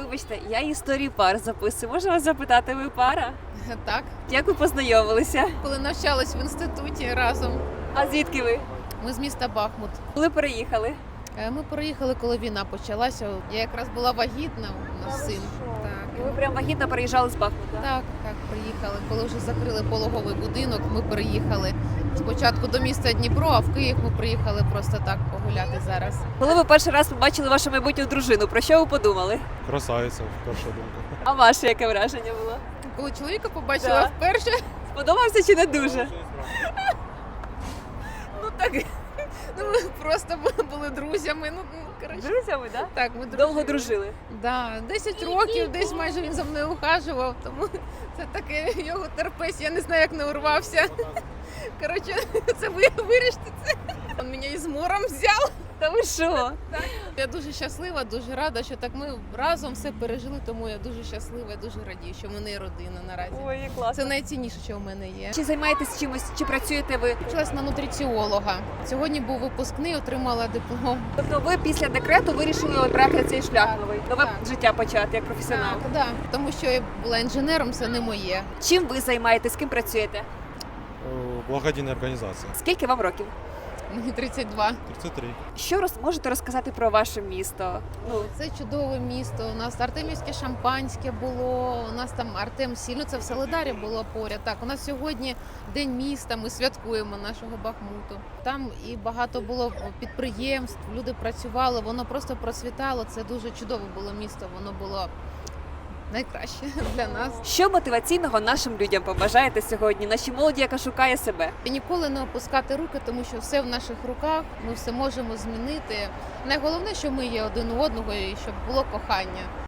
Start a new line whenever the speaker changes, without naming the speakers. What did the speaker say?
Вибачте, я історії пар записую. Можу вас запитати, ви пара?
Так,
Як ви познайомилися?
коли навчались в інституті разом,
А звідки ви?
ми з міста Бахмут.
Коли переїхали?
Ми переїхали, коли війна почалася. Я якраз була вагітна, у нас син.
І ви прям вагітно переїжджали з Бахмута?
Так, приїхали. Коли вже закрили пологовий будинок, ми переїхали спочатку до міста Дніпро, а в Київ ми приїхали просто так погуляти зараз.
Коли ви перший раз побачили вашу майбутню дружину, про що ви подумали?
Красавиця, перша думка.
А ваше яке враження було?
Коли чоловіка побачила
Да.
вперше,
Сподобався чи не дуже?
ну так, ну ми просто були друзями. Коротше.
Друзями, так?
Так, ми
Довго дружили.
Да, 10 років, десь майже він за мною ухажував, тому це таке його терпець, я не знаю, як не урвався. Коротше, це ви вирішите це. Він мене із мором взяв.
Та ви що?
Я дуже щаслива, дуже рада, що так ми разом все пережили, тому я дуже щаслива, дуже радію, що в мене є родина наразі.
Ой, як класно.
Це найцінніше, що в мене є.
Чи займаєтесь чимось, чи працюєте ви?
Вчилась на нутриціолога. Сьогодні був випускний, отримала диплом.
Тобто ви після декрету вирішили обрати цей шлях новий, нове
Так.
життя почати як професіонал.
Так, тому що я була інженером, це не моє.
Чим ви займаєтесь, з ким працюєте?
Благодійна організація.
Скільки вам років?
Мені 32.
33.
Що можете розказати про ваше місто? Ну,
Це чудове місто. У нас артемівське шампанське було. У нас там Артем Сіль, ну це в Солидарі було поряд. Так, у нас сьогодні день міста. Ми святкуємо нашого Бахмуту. Там і багато було підприємств. Люди працювали. Воно просто процвітало. Це дуже чудове було місто. Воно було найкраще для нас.
що мотиваційного нашим людям побажаєте сьогодні? Нашій молоді, яка шукає себе?
І ніколи не опускати руки, тому що все в наших руках. Ми все можемо змінити. Найголовніше, що ми є один у одного і щоб було кохання.